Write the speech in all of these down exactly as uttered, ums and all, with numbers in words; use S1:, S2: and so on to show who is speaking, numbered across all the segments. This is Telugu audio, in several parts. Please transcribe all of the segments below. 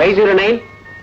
S1: ఫైవ్ జీరో నైన్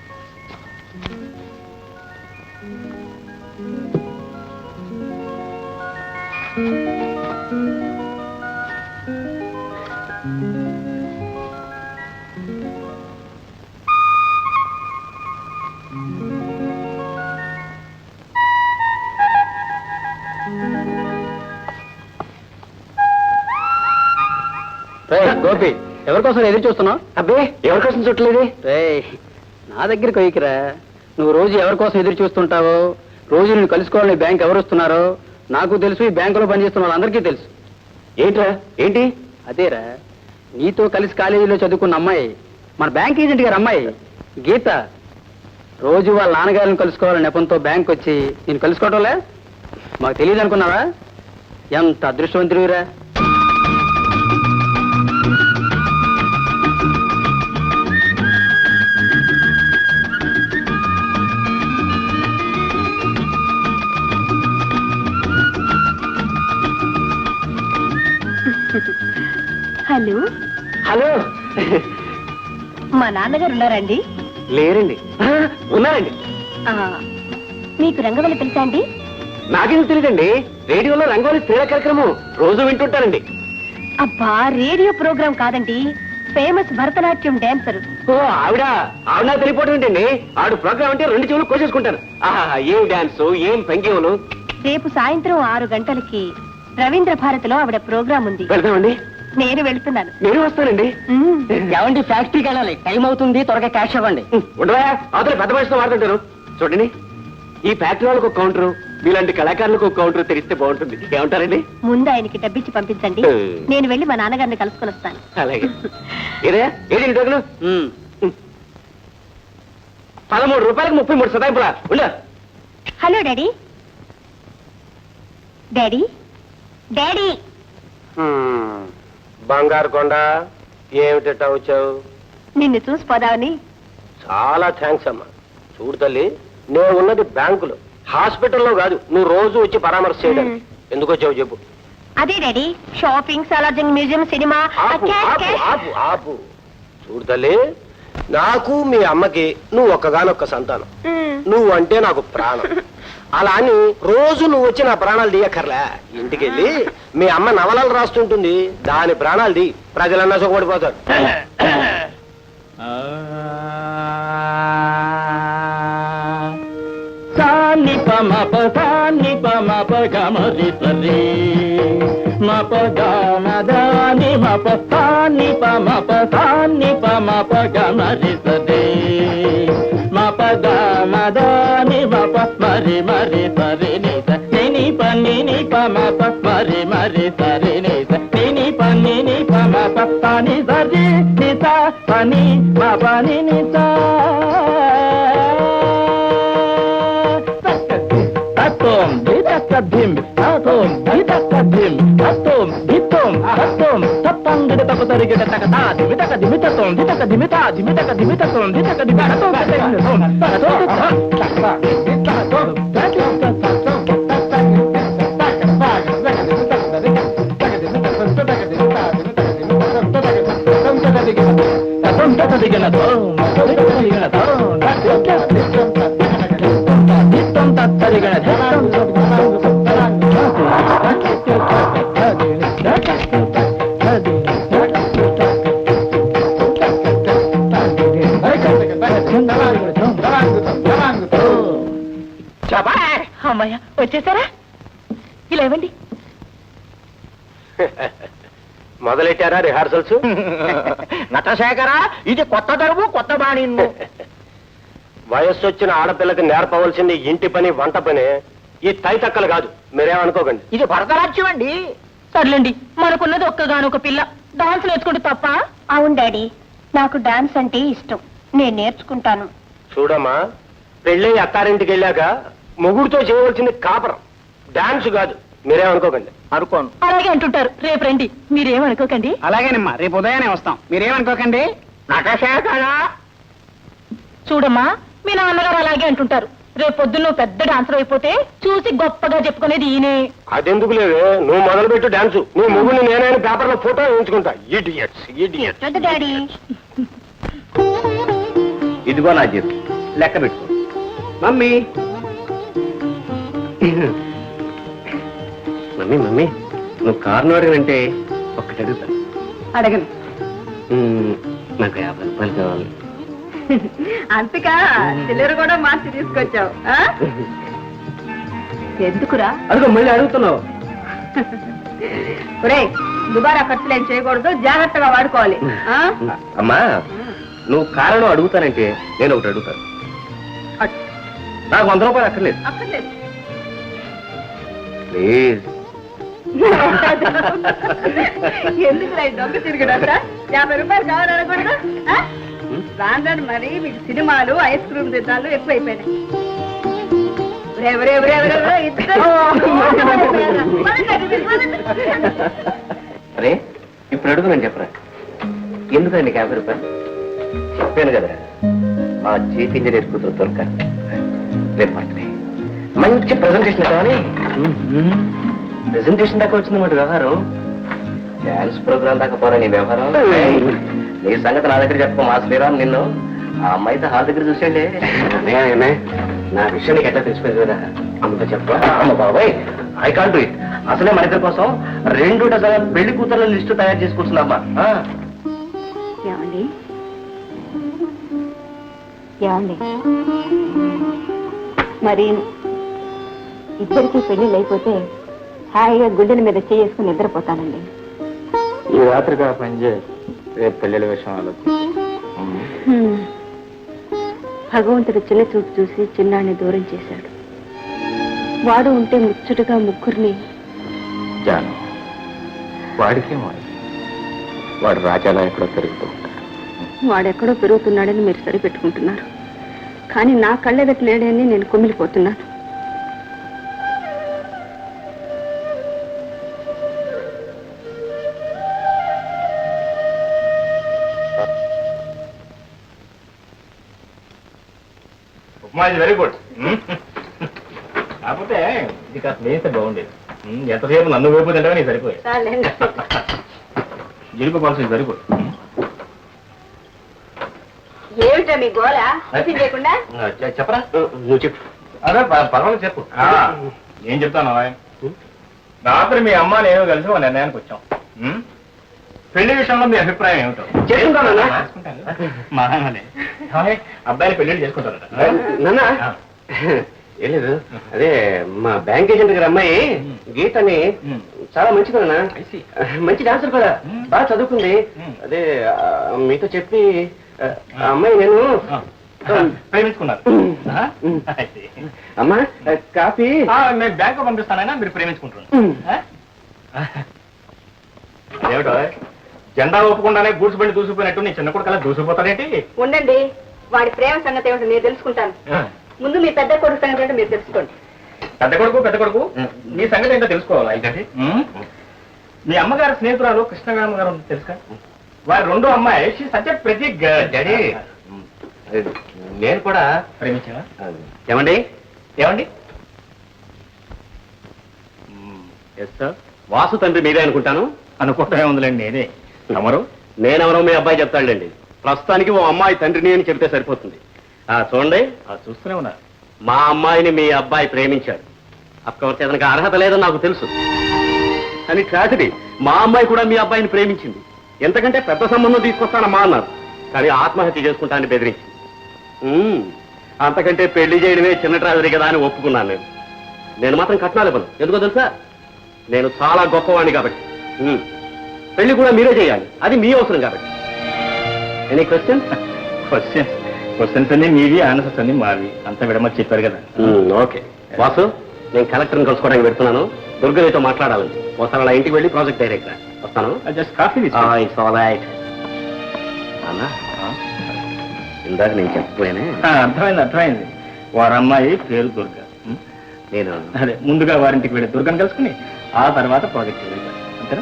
S2: గోపి, ఎవరికోసం ఎదురు చూస్తున్నావు?
S1: అబ్బే ఎవరికోసం చుట్టలేదు.
S2: నా దగ్గరికి వైకిరా. నువ్వు రోజు ఎవరికోసం ఎదురు చూస్తుంటావో, రోజు నువ్వు కలుసుకోవాలని బ్యాంక్ ఎవరు వస్తున్నారో నాకు తెలుసు, ఈ బ్యాంకులో పనిచేస్తున్న వాళ్ళందరికీ తెలుసు.
S1: ఏంట్రా ఏంటి?
S2: అదేరా, నీతో కలిసి కాలేజీలో చదువుకున్న అమ్మాయి, మన బ్యాంక్ ఏజెంట్ గారు అమ్మాయి గీత, రోజు వాళ్ళ నాన్నగారిని కలుసుకోవాలని నెపంతో బ్యాంక్ వచ్చి నేను కలుసుకోవటంలే మాకు తెలియదు అనుకున్నావా? ఎంత అదృష్టవంతుడివిరా.
S3: హలో
S1: హలో,
S3: మా నాన్నగారు ఉన్నారండి?
S1: లేరండి. ఉన్నారండి.
S3: మీకు రంగవల్లి తెలుసా అండి?
S1: నాకేం తెలియదండి. రేడియోలో రంగోలి క్రీడా కార్యక్రమం రోజు వింటుంటానండి.
S3: అబ్బా, రేడియో ప్రోగ్రాం కాదండి, ఫేమస్ భరతనాట్యం డాన్సర్.
S1: ఓ ఆవిడ ఆవిడ నాకు తెలియపోవడం ఏంటండి. ఆవిడ ప్రోగ్రామ్ అంటే రెండు చెవులు కోసేసుకుంటారు. ఆహా, ఏం డాన్స్, ఏం భంగిమలు.
S3: రేపు సాయంత్రం ఆరు గంటలకి రవీంద్ర భారతిలో ఆవిడ ప్రోగ్రాం ఉంది.
S1: వెళ్తామండి.
S3: నేను వెళ్తున్నాను.
S1: నేను వస్తానండి.
S2: ఏమండి, ఫ్యాక్టరీకి వెళ్ళాలి, టైం అవుతుంది, త్వరగా క్యాష్ ఇవ్వండి.
S1: ఉండవా, అవతల పెద్ద మనిషితో వాడుతుంటారు. చూడండి, ఈ ఫ్యాక్టరీ వాళ్ళకు ఒక కౌంటర్, మీలాంటి కళాకారులకు ఒక కౌంటర్ తెరిస్తే బాగుంటుంది. ఏమంటారండి?
S3: ముందు ఆయనకి డబ్బిచ్చి పంపించండి, నేను వెళ్ళి మా నాన్నగారిని కలుసుకొని వస్తాను.
S1: అలాగే. ఏదే ఏది డబ్బులు? పదమూడు రూపాయలకు ముప్పై మూడు సదాయింపులా ఉండ.
S3: Hello daddy. డాడీ డాడీ
S1: బంగారు కొండ, ఏమిటట్టా వచ్చావు?
S3: నిన్ను చూసి పోదామని.
S1: చాలా థ్యాంక్స్ అమ్మా. చూడు తల్లి, నేను ఉన్నది బ్యాంకులో, హాస్పిటల్లో కాదు. నువ్వు రోజు వచ్చి పరామర్శ చేయడానికి. ఎందుకు వచ్చావు చెప్పు.
S3: అదే daddy, shopping, Salarjung museum, cinema.
S1: ఆపు ఆపు ఆపు ఆపు. చూడు తల్లి, నాకు మీ అమ్మకి నువ్వు ఒక్కగానొక్క సంతానం. నువ్వు అంటే నాకు ప్రాణం. అలా అని రోజు నువ్వు వచ్చి నా ప్రాణాలు తీయక్కర్లే. ఇంటికెళ్ళి మీ అమ్మ నవలలు రాస్తుంటుంది, దాని ప్రాణాలు తీ. ప్రజలన్నా సుఖపడిపోతారు.
S2: సాని పమ పసాని పమ పగమరి సరి మప గమదాని మప సాని పమ పసాని పమ పగమరి సరి మప గమదాని మప మరి మరి సరి నిస నిని పని ని పమ ప మరి మరి సరి నిస నిని పని ని పమ ప పని సరి నిస పని మ పని నిస Atom, didakadim, atom, didakadim, atom, ditom, atom, tapang didatakotari gidatakata, dimitaka dimitatom, ditaka dimita, dimitaka dimitatom, ditaka dimitatom, atom,
S3: అమ్మయ్య, వచ్చేసారా? ఇలా ఇవ్వండి.
S1: మొదలెట్టారా రిహార్సల్స్?
S2: నటశేఖరా, ఇది కొత్త దరువు, కొత్త బాణి.
S1: వయస్సు వచ్చిన ఆడపిల్లకి నేర్పవలసింది ఇంటి పని, వంట పని. ఈ తైతక్కలు కాదు, మీరేమనుకోకండి.
S2: ఇది భరతనాట్యం అండి.
S3: సర్లేండి, మనకున్నది ఒక్కగానొక పిల్ల, డాన్స్ నేర్చుకుంటే తప్ప? అవును డాడీ, నాకు డాన్స్ అంటే ఇష్టం, నేను నేర్చుకుంటాను.
S1: చూడమ్మా, పెళ్ళి అత్తారింటికి వెళ్ళాక మొగుడితో చేయవలసింది కాపరం, డాన్స్ కాదు. మీరేమనుకోకండి.
S2: అనుకోను.
S3: అలాగే అంటుంటారు. రేపు రండి, మీరేమనుకోకండి.
S2: అలాగేనమ్మా, రేపు ఉదయాన్నే వస్తాం, మీరేమనుకోకండి. నటశేఖరా,
S3: చూడమ్మా, మీ నాన్నగారు అలాగే అంటుంటారు. రేపు పొద్దున్న పెద్ద డాన్సర్ అయిపోతే చూసి గొప్పగా చెప్పుకునేది ఈయనే.
S1: అదెందుకు లేవే, నువ్వు మొదలు పెట్టు డాన్సు. నీ మొగుడిని నేనైనా పేపర్ లో ఫోటో వేయించుకుంటా. Idiots idiots.
S3: డాడీ
S4: ఇదిగో నా జీతం లెక్క పెట్టుకో. మమ్మీ మమ్మీ మమ్మీ నువ్వు కారణం అడగనంటే ఒక్కటి అడుగుతాను.
S3: అడగను.
S4: మ్మ్, నాకు యాభై రూపాయలు కావాలి.
S3: అంతకా చిల్లర కూడా మార్చి తీసుకొచ్చావు. ఎందుకురా?
S4: అడుగు మళ్ళీ అడుగుతున్నావు.
S3: ఒరే దుబారా ఖర్చులు ఏం చేయకూడదు, జాగ్రత్తగా వాడుకోవాలి.
S4: అమ్మా నువ్వు కారణం అడుగుతానంటే నేను ఒకటి అడుగుతాను. నాకు వంద రూపాయలు అక్కర్లేదు
S3: అక్కర్లేదు.
S4: ప్లీజ్.
S3: ఎందుకు దొంగ తిరిగినంత యాభై రూపాయలు కావాలనకూడదు. రాందని మరి మీకు సినిమాలు ఐస్ క్రీమ్ తిన్నాలు ఎక్కువైపోయినాయి.
S4: అరే ఇప్పుడు అడుగునని చెప్పరా, ఎందుకండి యాభై రూపాయలు? చెప్పాను కదా మా చీఫ్ ఇంజనీర్ కూతురు దొరక రేపు బర్త్డే, మంచి ప్రెజెంటేషన్ కావాలి. ప్రెజెంటేషన్ దాకా వచ్చిందన్నమాట వ్యవహారం. డాన్స్ ప్రోగ్రామ్ దాకా పోరా నీ వ్యవహారం. నీ సంగతి నా దగ్గర చెప్పు. మా శ్రీరామ్ నిన్ను ఆ అమ్మాయితో హాల్ దగ్గర చూసేయండి. నా విషయం నీకు ఎట్లా తెలిసిపోయింది కదా, అమ్మతో చెప్ప. అమ్మ బాబాయ్ ఐ కాంట్ డూ ఇట్. అసలే మన ఇద్దరి కోసం రెండు డజన్ పెళ్లి కూతుర్ల లిస్టు తయారు చేసుకుంటున్నామ్మా.
S3: ఏమండి ఏమండి మరి ఇద్దరికి పెళ్లిళ్ళు అయిపోతే హాయిగా గుండెల మీద చేసుకుని నిద్రపోతానండి.
S2: ఈ రాత్రిగా పనిచేయ, రేపు పెళ్లిళ్ళ విషయం ఆలోచించు.
S3: భగవంతుడు చిన్న చూపు చూసి చిన్నాన్ని దూరం చేశాడు. వాడు ఉంటే ముచ్చటగా ముగ్గురిని.
S2: జాను వాడికేమో, వాడు రాజాలా ఎక్కడో తిరుగుతూ ఉంటాడు.
S3: వాడెక్కడో పెరుగుతున్నాడని మీరు సరిపెట్టుకుంటున్నారు, కానీ నా కళ్ళెదట లేడని నేను కుమిలిపోతున్నాను.
S2: ఉప్మా ఇది వెరీ గుడ్. కాకపోతే ఇది కాస్త వేస్తే బాగుండేది. ఎంతసేపు నన్ను వేపు తింటే నీకు సరిపోయి. జీడిపప్పాల్సింది వెరీ గుడ్.
S3: ఏమిటా మీ గోళ చేయకుండా?
S4: చెప్పరా, నువ్వు చెప్పు.
S2: అదే పర్వాలేదు చెప్పు. ఏం చెప్తాను, రాత్రి మీ అమ్మ నేను కలిసి ఒక నిర్ణయానికి వచ్చాం. పెళ్లి విషయంలో మీ అభిప్రాయం ఏమిటో
S4: చేసుకుంటానన్నా.
S2: మా నాన్నలే అబ్బాయిని పెళ్లి చేసుకుంటారట.
S4: నాన్న ఏం లేదు, అదే మా బ్యాంక్ ఏజెంట్ గారి అమ్మాయి గీతని చాలా మంచిది నాన్న, మంచి డాన్సర్ కూడా, బాగా చదువుకుంది. అదే మీతో చెప్పి ఆ అమ్మాయి నేను
S2: ప్రేమించుకున్నారు.
S4: అమ్మా కాఫీ
S2: నేను బ్యాంకు పంపిస్తానైనా మీరు ప్రేమించుకుంటున్నారు. ఏమిటో జెండా ఒప్పుకుండానే గూడ్స్ బండి దూసిపోయినట్టు నీ చిన్న కొడుకు అలా దూసిపోతాడేంటి?
S3: ఉండండి, వాడి ప్రేమ సంగతి ఏమిటో నేను తెలుసుకుంటాను. ముందు మీ పెద్ద కొడుకు సంగతి ఏంటో మీరు తెలుసుకోండి.
S2: పెద్ద కొడుకు పెద్ద కొడుకు నీ సంగతి ఏంటో తెలుసుకోవాలి. అయితే మీ అమ్మగారు స్నేహితురాలు కృష్ణగామ గారు తెలుసా? వారి రెండో అమ్మాయి సత్య ప్రతి
S4: డాడీ నేను కూడా
S2: ప్రేమించావా?
S4: ఏమండి
S2: ఏమండి
S4: ఎస్ సార్, వాసు తండ్రి మీరే అనుకుంటాను.
S2: అనుకోవటమే ఉందిలేండి, నేనే. తమరు?
S4: నేనెవరో మీ అబ్బాయి చెప్తాడులేండి. ప్రస్తుతానికి ఓ అమ్మాయి తండ్రిని అని చెప్తే సరిపోతుంది. చూడండి,
S2: చూస్తూనే ఉన్నా,
S4: మా అమ్మాయిని మీ అబ్బాయి ప్రేమించాడు. అఫ్కోర్స్ అతనికి అర్హత లేదని నాకు తెలుసు, కానీ ట్రాజడీ మా అమ్మాయి కూడా మీ అబ్బాయిని ప్రేమించింది. ఎంతకంటే పెద్ద సంబంధం తీసుకొస్తానమ్మా అన్నారు, కానీ ఆత్మహత్య చేసుకుంటానని బెదిరించింది. అంతకంటే పెళ్లి చేయడమే చిన్న ట్రాజడీ కదా అని ఒప్పుకున్నాను. నేను నేను మాత్రం కట్నాలు ఇవ్వను. ఎందుకో తెలుసా, నేను చాలా గొప్పవాణ్ణి కాబట్టి. పెళ్లి కూడా మీరే చేయాలి, అది మీ అవసరం కాబట్టి. Any question?
S2: క్వశ్చన్స్ క్వశ్చన్స్ అన్ని మీవి, ఆన్సర్స్ అన్ని మావి. అంతా విడమని చెప్పారు కదా.
S4: ఓకే వాసు, నేను కలెక్టర్ని కలుసుకోవడానికి పెడుతున్నాను. దుర్గనితో మాట్లాడాలని. ఒకసారి అలా ఇంటికి వెళ్ళి ప్రాజెక్ట్ డైరెక్టర్ వస్తాను.
S2: Just coffee
S4: it's all right. అన్నా ఇందాక నేను చెప్పపోయానే.
S2: అర్థమైంది అర్థమైంది. వారి అమ్మాయి పేరు దుర్గ.
S4: నేను
S2: అదే ముందుగా వారింటికి వెళ్ళి దుర్గను కలుసుకుని ఆ తర్వాత ప్రాజెక్ట్ వెళ్తాను. అంతేనా?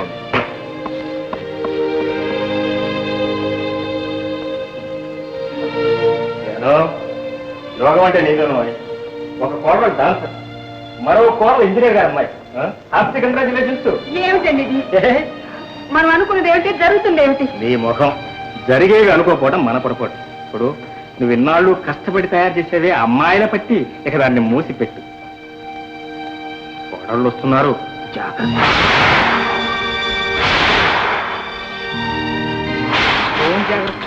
S2: యోగం అంటే నీకు ఒక కోడలు డాన్సర్, మరో కోడలు ఇంజనీర్ గారు అమ్మాయి. Happy congratulations.
S3: ఏమిటండి ఇది? మనం అనుకున్నది ఏమిటి, జరుగుతుంది ఏమిటి?
S2: నీ ముఖం జరిగేవి అనుకోకపోవడం మన పొరపాటు. ఇప్పుడు నువ్వు ఇన్నాళ్ళు కష్టపడి తయారు చేసేవే అమ్మాయిల పట్టి ఇక దాన్ని మూసిపెట్టు. కోడళ్ళు వస్తున్నారు, జాగ్రత్త. ఏం జాగ్రత్త?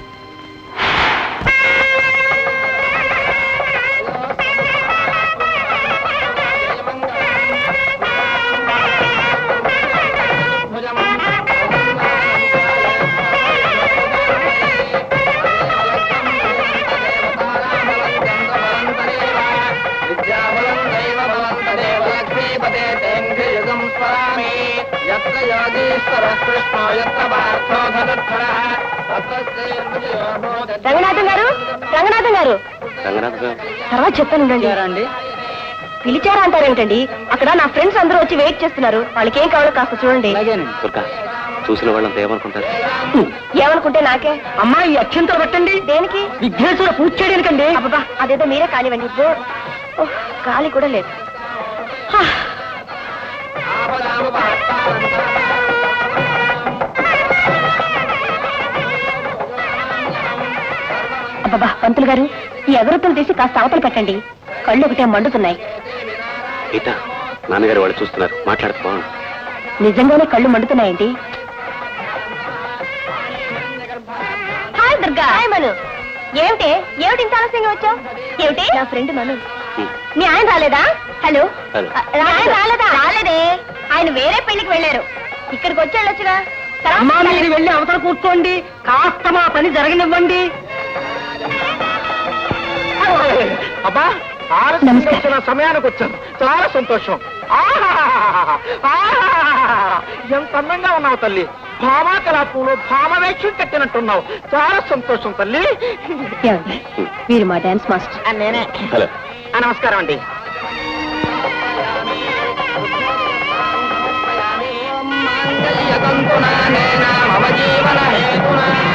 S5: రంగనాథం గారు, రంగనాథం గారు,
S4: రంగనాథ్ గారు
S5: తర్వాత చెప్తాను. పిలిచారా అంటారేమిటండి? అక్కడ నా ఫ్రెండ్స్ అందరూ వచ్చి వెయిట్ చేస్తున్నారు. వాళ్ళకి ఏం కావాలో కాస్త చూడండి.
S4: దుర్గా, చూసిన వాళ్ళంతా ఏమనుకుంటారు?
S5: ఏమనుకుంటే నాకే.
S2: అమ్మాయి అత్యంతలు పెట్టండి.
S5: దేనికి?
S2: విఘ్నేశ్వర పూజ చేయడానికండి.
S5: అబ్బా, అదేదో మీరే కానివ్వండి. ఓహ్, గాలి కూడా లేదు. హా. అబ్బా, పంతులు గారు, ఈ ఎగరొత్తులు తీసి కాస్త అవతలు పెట్టండి. కళ్ళు ఒకటే మండుతున్నాయి.
S4: గీత, నాన్నగారు వాళ్ళు చూస్తున్నారు, మాట్లాడుతూ బాగుంది.
S5: నిజంగానే కళ్ళు మండుతున్నాయండి. హాయ్ దుర్గా. హాయ్ మను. ఏమిటి ఏమిటి ఇంత ఆలస్యంగా వచ్చావు? ఏమిటి? నా ఫ్రెండ్ మను. మీ ఆయన రాలేదా? Hello,
S4: hello.
S5: ఆయన రాలేదా? రాలేదే. ఆయన వేరే పెళ్లికి వెళ్ళారు. ఇక్కడికి వచ్చి వెళ్ళొచ్చుగా.
S2: అమ్మా, మీరు వెళ్ళి అవతల కూర్చోండి, కాస్త మా పని జరగనివ్వండి.
S1: అబ్బా, ఆలస్యంగా వచ్చిన సమయానికి వచ్చాను. చాలా సంతోషం. ఆహాహాహాహా. ఆహాహాహాహా. ఎంత అందంగా ఉన్నావు తల్లి. భామా కళాపంలో భామవేక్షం కట్టినట్టున్నావు. చాలా సంతోషం తల్లి.
S5: ఏమండి, వీరు మా డాన్స్ మాస్టర్.
S1: నేనే.
S4: హలో.
S1: నమస్కారం అండి.
S2: జీవన